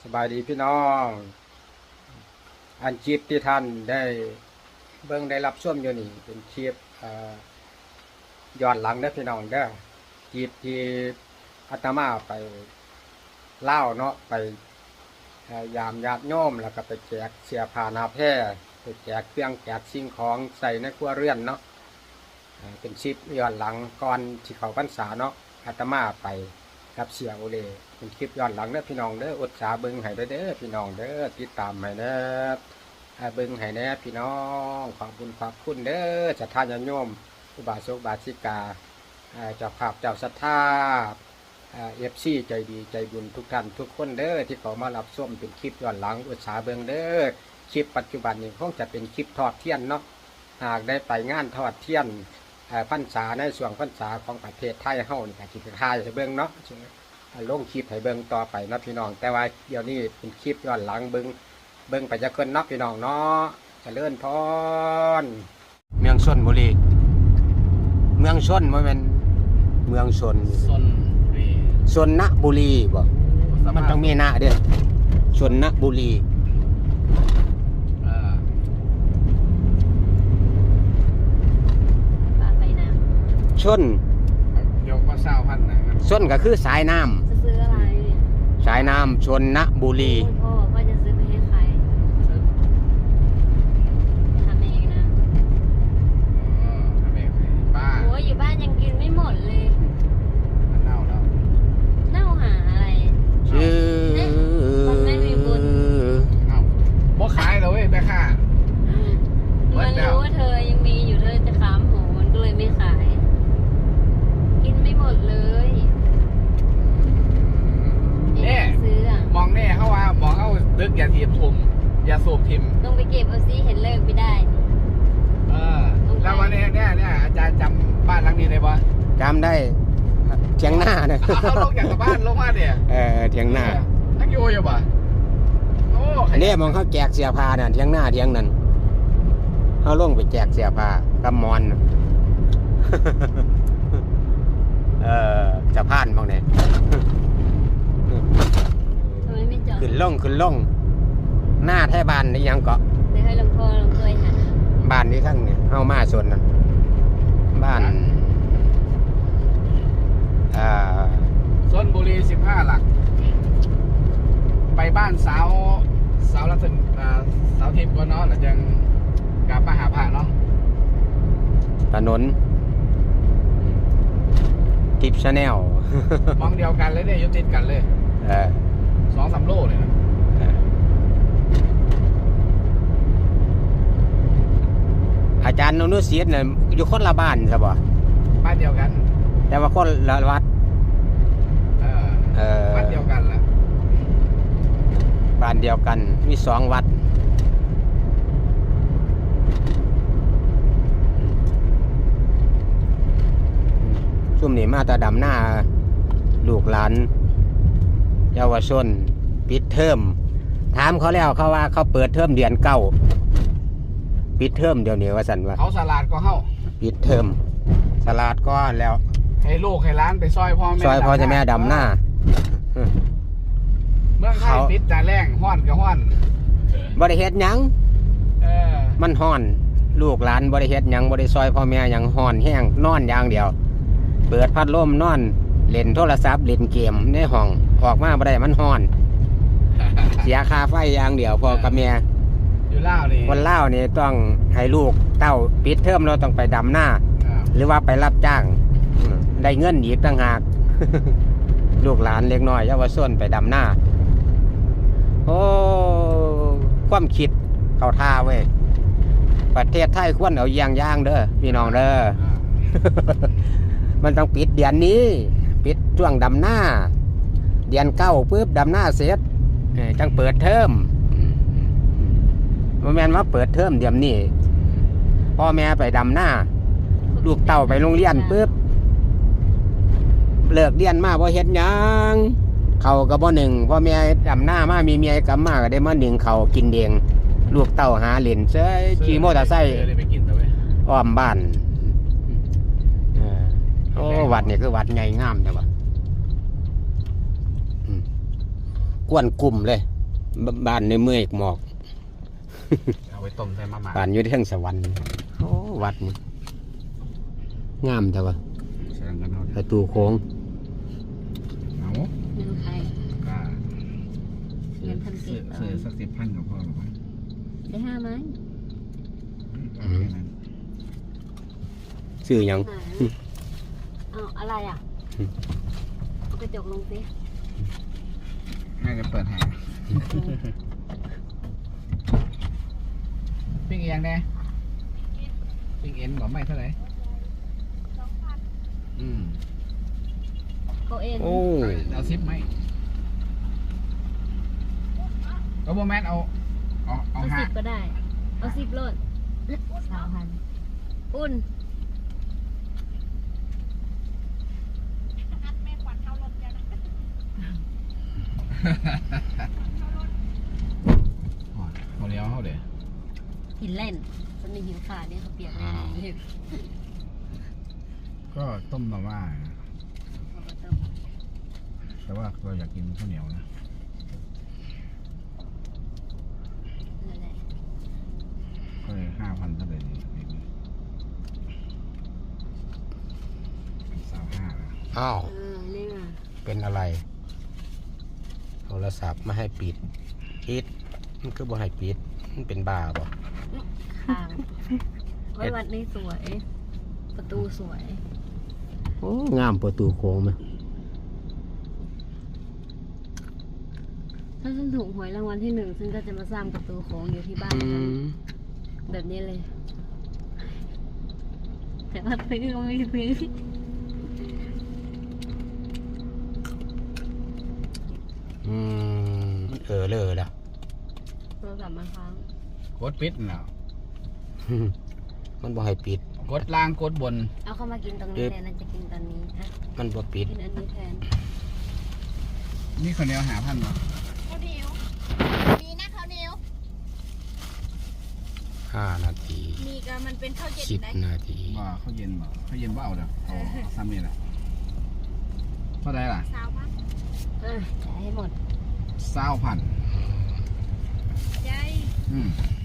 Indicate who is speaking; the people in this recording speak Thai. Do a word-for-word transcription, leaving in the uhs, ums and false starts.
Speaker 1: สบายดีพี่น้องอันคลิปที่ท่านได้เบิ่งได้รับชมอยู่นี่เป็นคลิปย้อนหลังเด้อพี่น้องเด้อคลิปที่อาตมาไปเล่าเนาะไปยามญาติโยมแล้วก็ไปแจกเสียผ้าหนาแพร่ไปแจกเครื่องแจกสิ่งของใส่ในครัวเรือนเนาะเป็นคลิปย้อนหลังก่อนที่เขาพรรษาเนาะอาตมาไปกับเสียโอเลเป็นคลิปย้อนหลังเด้อพี่น้องเด้ออดสาเบิ่งให้เด้อพี่น้องเด้อติดตามให้เด้อเบิ่งให้แน่พี่น้องขอบคุณขอบคุณเด้อศรัทธาญาติโยมอุบาสกบาสิกาเจ้าภาพเจ้าศรัทธาเอฟซีใจดีใจบุญทุกท่านทุกคนเด้อที่เขามารับชมเป็นคลิปย้อนหลังอุตสาเบิ่งเด้อคลิปปัจจุบันนี้คงจะเป็นคลิปทอดเทียนเนาะหากได้ไปงานทอดเทียนพรรษาในส่วนพรรษาของประเทศไทยเฮานี่ก็สิเป็นทายให้เบิ่งเนาะลงคลิปให้เบิ่งต่อไปนะพี่น้องแต่ว่าเดี๋ยวนี้เป็นคลิปย้อนหลังเบิ่งเบิ่งไปจะเกินเนาะพี่น้องเนาะเจริญพรเมืองชลบุรีเมืองชลบ่แม่นเมืองชลชลบุรีชลบุรีบ่มันต้องมีนะเด้อชลบุรีชนยกมาเศร้าพันนะชนก็คือสายน้ำ
Speaker 2: จะซื้ออะไร
Speaker 1: สายน้ำชนนบุรี
Speaker 2: พ่อบอกว่าจะซื้อไปให้ใครทำเองนะ
Speaker 3: ทำเองบ้าน
Speaker 2: โอ้ยอยู่บ้านยังกินไม่หมดเลย
Speaker 3: มันเน่าแล้ว
Speaker 2: เน่าหาอะไร
Speaker 1: ชื่อ
Speaker 2: มันไม่มีบุญ
Speaker 3: เอ้าบ่ขายเลยเว้ยแม่ค้า
Speaker 2: มันรู้ว่าเธอยังมีอยู่เธอจะขามหูมันก็เลยไม่ขายกินไม่หมดเลย
Speaker 3: เนี่ย
Speaker 2: ซื้ออ่ะ
Speaker 3: มองแน่เขาว่ามองเขาตึกอย่าทีมทุมอย่าสูบทิม
Speaker 2: ต้องไปเก็บเอาซิเห็นเลิกไม่ได้
Speaker 3: เออแล้ววันนี้เนี่ยเนี่ยอาจารย์จำบ้านหลังนี้ได้ปะ
Speaker 1: จำได้เทียงหน้าเนี่ย
Speaker 3: เขาลงจากบ้านลงมาเนี่ย
Speaker 1: เออเทียงหน้า
Speaker 3: นักโยอยู่ปะโอ้
Speaker 1: อันนี้มองเขาแจกเสียผ้าเนี่ยเทียงหน้าเทียงนั้นเขาลงไปแจกเสียผ้ากับมอนเออจะผ่านบ้างเนี่ยขึ้นล่องขึ้นล่องหน้าแท้บ้านนี่ยังเกาะ
Speaker 2: เดี๋ยวให้หลวงพ่อหลวงเคยหา
Speaker 1: บ้านนี้ทั้งเนี่ยเข้ามาส่วนนั้นบ้านอ่า
Speaker 3: ชลบุรีสิบห้าหลักไปบ้านสาวสาวรัตนสาวทิพย์ก็เนาะแล้วจังกลับมาหาพระเนาะ
Speaker 1: ถนนทิปชาแนล
Speaker 3: มองเดียวกันเลยเนี่ยยุติดกันเลยสองสามโลเลยนะ
Speaker 1: อาจารย์นนุศิษย์เนี่ยอยู่คนละบ้านใช่ป่ะ
Speaker 3: บ้านเดียวกัน
Speaker 1: แต่ว่าคนละวัด
Speaker 3: เออบ้านเดียวกันละ
Speaker 1: บ้านเดียวกันมีสองวัดซุ่มนี่มาตาดำหน้าลูกหลานเยาวชนปิดเทอมถามเขาแล้วเขาว่าเขาเปิดเทอมเดือนเก้าปิดเทอมเดี๋ยวนี้ว่าสันว่า
Speaker 3: เขาสลัดก็เข้า
Speaker 1: ปิดเทอมสลัดก็แล้ว
Speaker 3: ให้ลูกให้ร้านไปซอยพ่อแม่
Speaker 1: ซอยพ่อจะแม่ดำหน้า
Speaker 3: เมื่อไทยปิดแต่แรงห้อนกับห้อน
Speaker 1: บริเฮ็ดยังมันห้อนลูกหลานบริเฮ็ดยังบริซอยพ่อแม่ยังห้อนแห้งนอนอย่างเดียวเปิดพัดลมนอนเล่นโทรศัพท์เล่นเกมในห้องออกมาบ่ได้มันฮ้อนเสียค่าไฟอย่างเดียวพอกับแม่
Speaker 3: อยู่ล่าวนี่
Speaker 1: คนล่าวนี่ต้องให้ลูกเต้าปิดเทอมเราต้องไปดำหน้าหรือว่าไปรับจ้างได้เงินอีกต่างหากลูกหลานเล็กน้อยเยาวชนไปดำหน้าโอ้ความคิดเข้าท่าเว้ยประเทศไทยควรเอาอย่างย่างเด้อพี่น้องเด้อมันต้องปิดเดือนนี้ปิดช่วงดำหน้าเดือนเก้าปุ๊บดำหน้าเสร็จจังเปิดเทอมมันแม่นว่าเปิดเทอมเดือนนี้พ่อแม่ไปดำหน้าลูกเต่าไปโรงเรียนปุ๊บเลิกเรียนมาพอเฮ็ดยังเขาก็บ่หนึ่งพ่อแม่ดำหน้ามามีเมียกลับมาก็ได้มาหนึ่งเขากินเดงลูกเต่าหาเหรียญเซ้ขี่มอเตอร์ไซค์อ้อมบ้านโอ้วัดนี่คือวัดใหญ่งามแต่ว่า กวนกลุ่มเลยบบ้านในเมืองหมอก
Speaker 3: เอาไปต้มใส่มาม่า
Speaker 1: บ้านอยู่ที่ทางสวรรค์โอ้วัดนี่งามแต่ว่า
Speaker 3: แสดงกันเอา
Speaker 1: ประตูโค้ง
Speaker 3: เอา
Speaker 2: เงินใคร
Speaker 3: ก็
Speaker 2: เงินพัน
Speaker 3: ซื้
Speaker 2: เก็
Speaker 3: อบ
Speaker 2: เอา
Speaker 3: ซื้อสักสิบพันกับพ่อหรอวะ
Speaker 2: ได้ห้าไหม
Speaker 3: เอาแค่นั้น
Speaker 1: ชื่อหยัง
Speaker 2: หาเอาอะไรอ่ะเอากระจกลงสิ
Speaker 3: น่าจะเปิดแหงปิ้งเอียงแน่ปิ้งเอ็นก่อนไม่เท่าไหร่อืม
Speaker 2: เขาเอ็น
Speaker 1: โอ้
Speaker 3: เอาซิปไหมเอาโมแมนเอาเอาเอา
Speaker 2: เอา
Speaker 3: ห้า
Speaker 2: สิบก็ได้ เอาสิบโลดสามพันอุ่น
Speaker 3: เขาเลี้ยวเขาเดี๋ยว
Speaker 2: หินเล่นมันมีหิวขาดเนี่ยเขาเปียกเลยรีบ
Speaker 3: ก็ต้มมาม่า
Speaker 2: เอาไปต้ม
Speaker 3: แต่ว่าเราอยากกินข้าวเหนียวนะ
Speaker 2: นั่นแหละ
Speaker 3: ก็เลยห้าพันเท่าไหร่ดีสามห้าแล้ว
Speaker 1: อ้าว
Speaker 2: เออนี่ไง
Speaker 1: เป็นอะไร โทรศัพท์ไม่ให้ปิดปิดมันก็บ่ให้ปิดมันเป็นบ้าบ่
Speaker 2: ข้างไว้วัดนี้สวย ประตูสวย
Speaker 1: โอ้งามประตูโค้งไหม
Speaker 2: ถ้าฉันถูกหวยรางวัลที่หนึ่งฉันก็จะมาสร้างประตูโค้งอยู่ที่บ้าน
Speaker 1: อื
Speaker 2: ฉัน
Speaker 1: ม
Speaker 2: แบบนี้เลย แต่ว่าซื้อก็ไม่ซื้อ
Speaker 1: อืมเออเลยล่ะ
Speaker 2: โทรศัพท์มาค้าง
Speaker 3: กดปิดแล้ว
Speaker 1: มันบ่ให้ปิด
Speaker 3: กดล่างกดบน
Speaker 2: เอาเข้ามากินตรงนี้เลยนะจะกินตอนนี้อ่ะ
Speaker 1: มันบ่ปิด
Speaker 2: กินอันนี้แทน
Speaker 3: นี่ข้าวเหนียวหาพันเหรอ
Speaker 2: ข้าวเหนียวมีนะข้าวเหนียว
Speaker 1: ห้านาที
Speaker 2: มีก็มันเป็นข้าวเย็น
Speaker 1: สิบ
Speaker 2: ได้
Speaker 1: นาที
Speaker 3: ว่าข้าวเย็นบ่ข้าวเย็นว่าเอาเด้อเอาเอาซ้ำนี่แหละเท่าไหร่ล่ะ
Speaker 2: สาวพันเออจ่ายให้หมด
Speaker 3: เศร้าพัน
Speaker 2: ใจ
Speaker 3: อืม